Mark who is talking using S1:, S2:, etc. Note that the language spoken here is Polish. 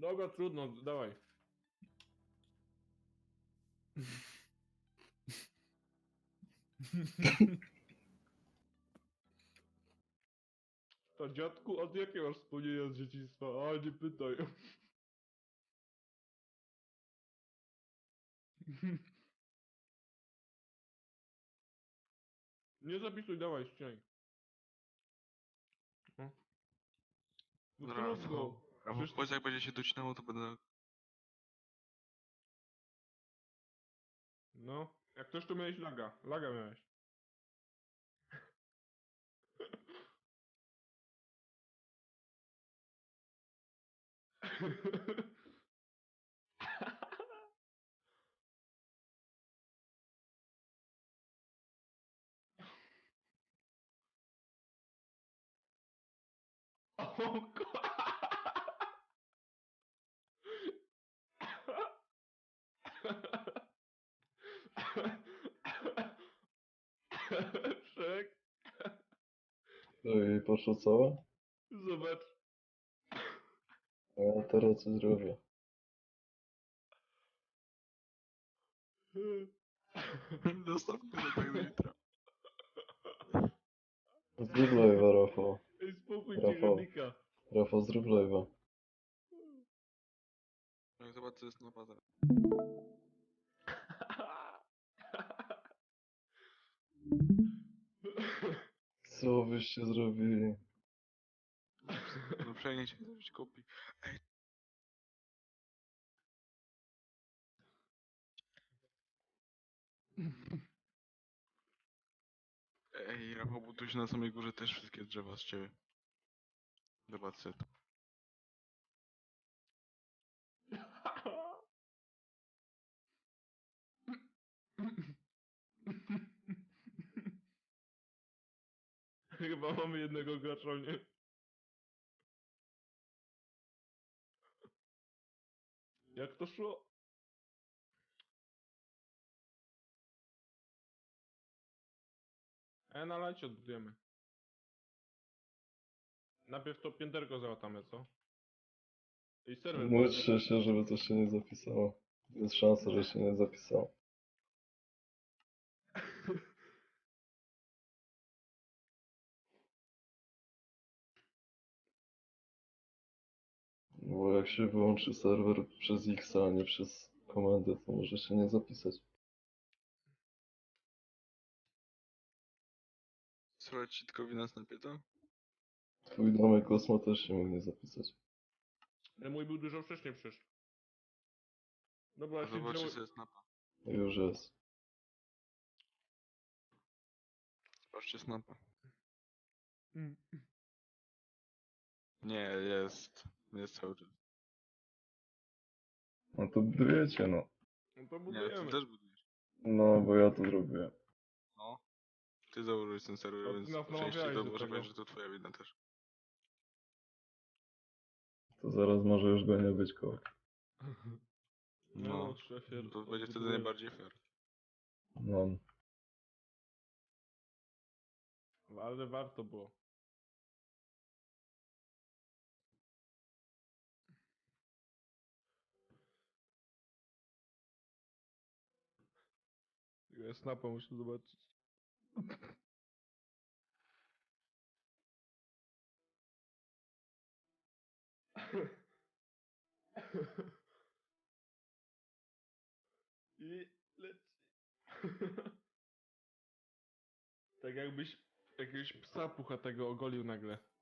S1: Dobra, trudno, dawaj. To dziadku, od jakiego masz wspomnienia z dzieciństwa? A, nie pytaj. Nie zapisuj, dawaj, ścinaj. No trudno.
S2: Rafał,
S1: Przecież...
S2: powiedz jak będzie się docinało, to będę...
S1: No, jak ktoś to miałeś laga. Laga miałeś. O Szek,
S3: I poszło całe?
S1: zobacz.
S3: A ja teraz co zrobię?
S2: Dostawmy to tak do jutra.
S3: Zrób live'a, Rafał.
S1: Ej, spokój
S3: Rafał.
S1: dziegodnika.
S3: Rafał, zrób live'a.
S2: No zobacz co jest na bazar.
S3: Co byście zrobili?
S2: No przejdzie cię zrobić kopii. Ej, Rafał, bo tu się na samej górze też wszystkie drzewa z ciebie. Zobacz sobie to.
S1: Chyba mamy jednego gracza, nie? Jak to szło? Na lajcie odbudujemy. Najpierw to pięterko załatamy, co? I serwer
S3: Módlcie się, żeby to się nie zapisało. Jest szansa, że się nie zapisało. Bo jak się wyłączy serwer przez X, a nie przez komendę, to może się nie zapisać.
S2: Słuchaj ci tylko wina snapie to?
S3: Twój domek Kosmo też się mógł nie zapisać.
S1: Ale mój był dużo wcześniej przecież. Dobra,
S2: A
S1: ja się
S2: zobaczcie
S1: wziąłem...
S2: sobie snapa.
S3: Już jest.
S2: Zobaczcie snapa.
S1: Mm.
S2: Nie, jest. Jest cały czas.
S3: No to budujecie, no.
S1: No to
S2: Nie, ty
S1: budujemy.
S2: też budujesz.
S3: No, bo ja to zrobiłem.
S2: No. Ty założyłeś ten serwer,
S1: No, ty
S2: więc
S1: nas
S2: po części
S1: namawiałeś
S2: to
S1: do
S2: może
S1: tego.
S2: powiedzieć, że to twoja wina też.
S3: To zaraz może już go nie być koło.
S1: No,
S2: No.
S1: szefie,
S2: To będzie wtedy
S1: odbudujemy.
S2: najbardziej fair.
S3: No.
S1: Ale warto było. Ja snapa muszę zobaczyć. I leci. Tak jakbyś jakiegoś psa puchatego ogolił nagle.